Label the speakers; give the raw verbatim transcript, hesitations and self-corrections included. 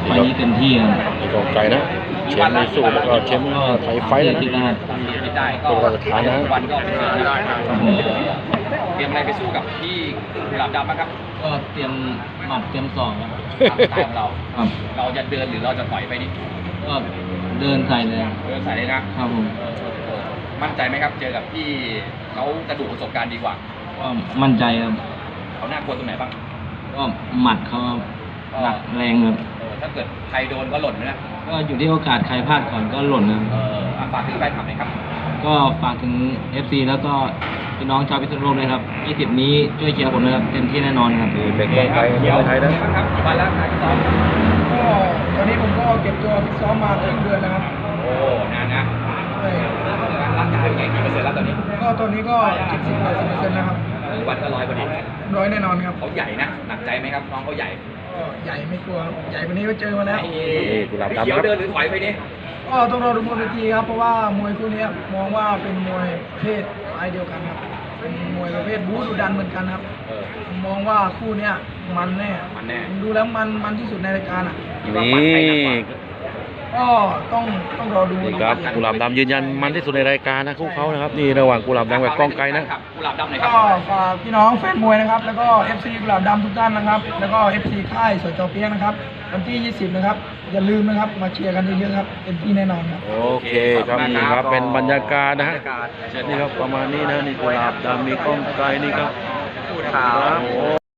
Speaker 1: ไฟนี้เต็มที่ครับ
Speaker 2: มีกองไกลนะเชมป์ในสู้แล้วก็เชมป์ไทยไฟแล้วนะตัวราชฐานนะ
Speaker 3: วันก็เป็นได้เตรียมอะไรไปสู้กับพี่กุหลาบดำนะครับ
Speaker 1: ก็เตรียมหมัดเตรียมศอกครับ
Speaker 3: ตามสไตล์ของเราเราจะเดินหรือเราจะต่อยไปนี่
Speaker 1: ก็เดินใส่เลย
Speaker 3: เดินใส่เลยนะครับผมมั่นใจไหมครับเจอกับพี่เขากระดูกประสบการณ์ดีกว่า
Speaker 1: ก็มั่นใจครับ
Speaker 3: เขาน่ากลัวตรงไหนบ้าง
Speaker 1: ก็หมัดเขาหนักแรงครับ
Speaker 3: ถ้าเกิดใครโดนก็หล่นนะ
Speaker 1: ก็อยู่ที่โอกาสใครพลาดก่อนก็หล่นนะ
Speaker 3: ฝากถึงแฟนคลับหน่อยครับ
Speaker 1: ก็ฝากถึง เอฟ ซี แล้วก็พี่น้องชาวพิษณุโลกเลยครับยี่สิบนี้ช่วยเชียร์ผมนะครับเต็มที่แน่นอนครับ
Speaker 2: เป็นกองไกลเดียวไทย
Speaker 3: นะครับกี่วันแล้วการซ้อม
Speaker 4: ก็ตอนนี้ผมก็เก็บตัวฟิตซ้อมมาเกือบเดือนแล้วครับ
Speaker 3: โอ้นานนะร่างกายเป็นไงกี่เปอร์เซ็นต์แล้วตอนนี้
Speaker 4: ก็ตอนนี้ก็เจ็ดสิบแปดสิบเปอร์เซ็นต์แล้วครับ
Speaker 3: วันก็ร้อยพอดี
Speaker 4: ร้อยแน่นอนครับ
Speaker 3: เขาใหญ่นะหนักใจไหมครับน้องเขาใหญ่
Speaker 4: ก็ใหญ่ไม่กลัวใหญ่กว่านี้ก็เจอมาแล้ว
Speaker 3: เขียวเดินหรือถอยไปนี่
Speaker 4: ก็ต้องรอดูบนเวทีครับเพราะว่ามวยคู่นี้มองว่าเป็นมวยประเภทสายเดียวกันครับเป็นมวยประเภทบู๊ดุดันเหมือนกันครับผมมองว่าคู่นี้มันแน่
Speaker 3: มันแน่
Speaker 4: ดูแล้วมันมันที่สุดในรายการอ่ะ
Speaker 2: นี่
Speaker 4: ก็ต้องต้องรอดู
Speaker 2: ครับกุหลาบดำยืนยันมันที่สุดในรายการนะคู่เขานะครับนี่ระหว่างกุหลาบดำกับกองไกลนะ
Speaker 3: กุหลาบดำไหน
Speaker 4: ครับก็ฝากพี่น้องแฟนมวยนะครับแล้วก็ เอฟ ซี กุหลาบดำทุกท่านนะครับแล้วก็ เอฟ ซี ค่ายสจเปี๊ยกนะครับวันที่ยี่สิบนะครับอย่าลืมนะครับมาเชียร์กันเยอะๆครับเต็มที่แน่นอนครับ
Speaker 2: โอเคครับนี่ครับเป็นบรรยากาศนะฮะนี่ครับประมาณนี้นะนี่กุหลาบดำมีกองไกลนี่ครับ